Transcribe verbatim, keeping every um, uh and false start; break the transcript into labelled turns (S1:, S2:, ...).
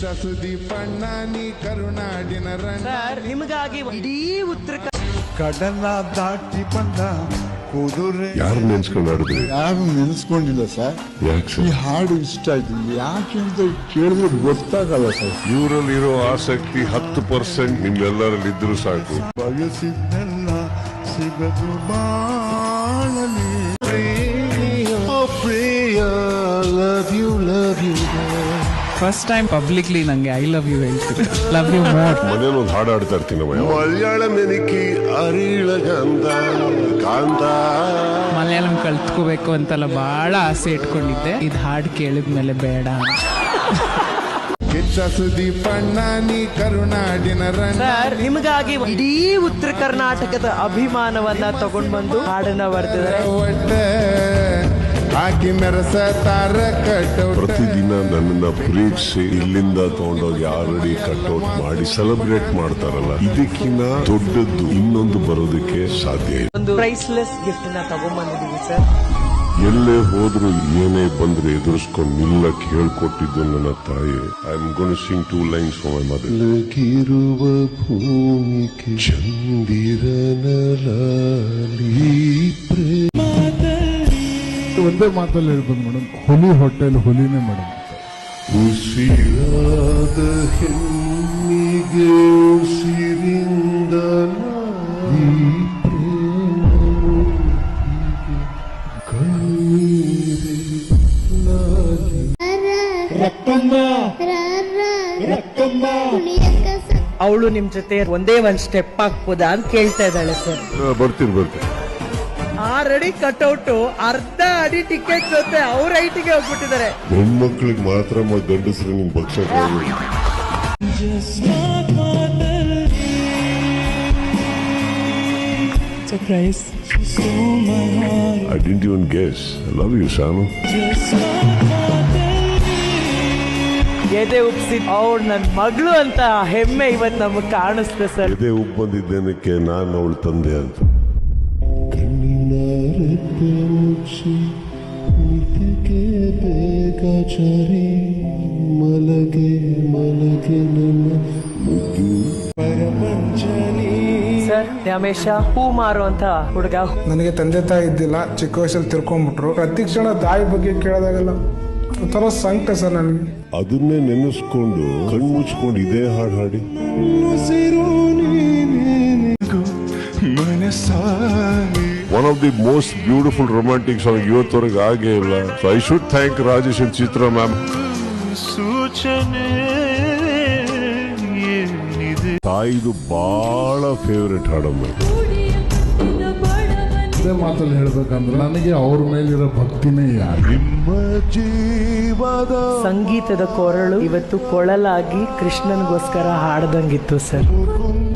S1: ಸುದೀಪಣ್ಣಿ ಕರುನಾಡಿನ
S2: sir ನಿಮಗಾಗಿ ಇಡೀ ಉತ್ತರ
S3: ಕಡಲ ದಾಟಿ ಬಂದ ಕುದುರೆ.
S4: ಯಾರು ನೆನ್ಸ್ಕೊಂಡು ಆಡಿದ್ರಿ?
S3: ಯಾರು ನೆನ್ಸ್ಕೊಂಡಿಲ್ಲ ಸರ್.
S4: ಯಾಕೆ
S3: ಈ ಹಾಡು ಇಷ್ಟ ಆಯ್ತು. ಯಾಕೆ ಅಂತ ಕೇಳಿದ್ರೆ ಗೊತ್ತಾಗಲ್ಲ ಸರ್.
S4: ಇವರಲ್ಲಿರೋ ಆಸಕ್ತಿ ಹತ್ತು ಪರ್ಸೆಂಟ್ ನಿಮ್ಮೆಲ್ಲರಲ್ಲಿ ಇದ್ರು ಸಾಕು.
S3: ಬಯಸಿದ್ದೆಲ್ಲ ಸಿಗದು ಬಾಳಲಿ.
S5: ಫಸ್ಟ್ ಟೈಮ್ ಪಬ್ಲಿಕ್ಲಿ ನಂಗೆ ಐ ಲವ್ ಯು ಹೇಳ್ತೀನಿ. Love you more.
S4: ಮನೇಲಿ ಒಂದು ಹಾಡು ಆಡ್ತಾ ಇರ್ತೀನಿ. ಮಲಯಾಳಂ ನೆನಕಿ ಅರಿಳಗಂಧ ಕಾಂತ.
S5: ಮಲಯಾಳಂ ಕಲ್ತ್ಕೋಬೇಕು ಅಂತೆಲ್ಲ ಬಹಳ ಆಸೆ ಇಟ್ಕೊಂಡಿದ್ದೆ. ಇದು ಹಾಡು ಕೇಳಿದ್ಮೇಲೆ ಬೇಡ.
S1: ಸುದೀಪಣ್ಣಿ ಕರುನಾಡಿನ
S2: ಸರ್ ನಿಮಗಾಗಿ ಇಡೀ ಉತ್ತರ ಕರ್ನಾಟಕದ ಅಭಿಮಾನವನ್ನ ತಗೊಂಡ್ ಬಂದು ಹಾಡನ್ನ ಬರ್ತಿದ್ದಾರೆ.
S1: ಹಾಕಿ ಮೆರಸ ತಾರ ಕಟ್ಔಟ್.
S4: ಪ್ರತಿದಿನ ನನ್ನನ್ನ ಪ್ರೀತಿಸಿ ಇಲ್ಲಿಂದ ತಗೊಂಡೋಗಿ ಆಲ್ರೆಡಿ ಕಟ್ಔಟ್ ಮಾಡಿ ಸೆಲೆಬ್ರೇಟ್ ಮಾಡ್ತಾರಲ್ಲ, ಇದಕ್ಕಿಂತ ದೊಡ್ಡದ್ದು ಇನ್ನೊಂದು ಬರೋದಕ್ಕೆ ಸಾಧ್ಯ ಇಲ್ಲ.
S2: ಒಂದು ಪ್ರೈಸ್ಲೆಸ್ ಗಿಫ್ಟ್ ನ ತಗೊಂಡ್ ಬಂದಿದ್ದೀವಿ ಸರ್.
S4: ಎಲ್ಲೇ ಹೋದ್ರು ಏನೇ ಬಂದ್ರೆ ಎದುರಿಸ್ಕೊಂಡು ನಿಲ್ಲಕ್ ಹೇಳ್ಕೊಟ್ಟಿದ್ದು ನನ್ನ ತಾಯಿ. I am gonna sing two lines for my mother. ಲಗಿರುವ ಭೂಮಿಗೆ ಚಂದಿರನ
S3: ಒಂದೇ ಮಾತಲ್ಲಿ ಹೇಳ್ಬೋದು ಮೇಡಮ್, ಹುಲಿ ಹೊಟ್ಟೆಲ್ ಹುಲಿನೇ ಮೇಡಮ್.
S4: ಉಸಿರಾದ ಹೆಣ್ಣಿಗೆ ಉಸಿರಿಂದ
S2: ಅವಳು ನಿಮ್ ಜೊತೆ ಒಂದೇ ಒಂದ್ ಸ್ಟೆಪ್ ಹಾಕ್ಬೋದಾ ಅಂತ ಕೇಳ್ತಾ ಇದ್ದಾಳೆ ಸರ್.
S4: ಬರ್ತೀನಿ ಬರ್ತೀನಿ.
S2: ಆಲ್ರೆಡಿ ಕಟ್ಔಟ್ ಅರ್ಧ ಅಡಿ ಟಿಕೆಟ್ ಜೊತೆ ಅವ್ರ ಐಟಿಗೆ ಹೋಗ್ಬಿಟ್ಟಿದ್ದಾರೆ.
S4: ಹೆಣ್ಮಕ್ಳಿಗೆ ಮಾತ್ರ ಗಂಡಸ್ರು ನಿಮ್ ಪಕ್ಷ.
S5: Surprise.
S4: I didn't even guess. I love you, Sanu.
S2: ಎದೆ ಉಪ್ಸಿ ಅವ್ಳು ನನ್ ಮಗಳು ಅಂತ ಹೆಮ್ಮೆ ಇವತ್ತು ನಮಗ್ ಕಾಣಿಸ್ತೆ ಸರ್.
S4: ಎದೆ ಉಪ್ಪು ಬಂದಿದ್ದೇನಕ್ಕೆ ನಾನು ಅವಳು ತಂದೆ ಅಂತ. ಮಲಗೆ ಮಲಗೆ
S2: ಸರ್ ರಮೇಶ ಹೂ ಮಾರು ಅಂತ ಹುಡುಗ.
S6: ನನಗೆ ತಂದೆ ತಾಯಿ ಇದ್ದಿಲ್ಲ, ಚಿಕ್ಕ ವಯಸ್ಸಲ್ಲಿ ತಿರ್ಕೊಂಡ್ಬಿಟ್ರು. ಪ್ರತಿ ಕ್ಷಣ ತಾಯಿ ಬಗ್ಗೆ ಕೇಳಿದಾಗೆಲ್ಲ ಒಂಥರ ಸಂಕಟ ಸರ್ ನನಗೆ.
S4: ಅದನ್ನೇ ನೆನೆಸ್ಕೊಂಡು ಕಣ್ಣು ಮುಚ್ಕೊಂಡು ಇದೇ ಹಾಡು ಹಾಡಿ. One of the most beautiful romantic song ಇವತ್ತವರೆಗೆ ಆಗೇ ಇಲ್ಲ. So I should thank Rajesh and Chitra ma'am. ತಾಯಿದು ಬಹಳ ಫೇವ್ರೆಟ್ ಹಾಡಮ್ಮ.
S3: ಒಂದೇ ಮಾತಲ್ಲಿ ಹೇಳ್ಬೇಕಂದ್ರೆ ನನಗೆ ಅವ್ರ ಮೇಲಿರೋ ಭಕ್ತಿನೇ ಯಾರು.
S4: ನಿಮ್ಮ ಜೀವದ
S2: ಸಂಗೀತದ ಕೊರಳು ಇವತ್ತು ಕೊಳಲಾಗಿ ಕೃಷ್ಣನ್ಗೋಸ್ಕರ ಹಾಡ್ದಂಗಿತ್ತು ಸರ್.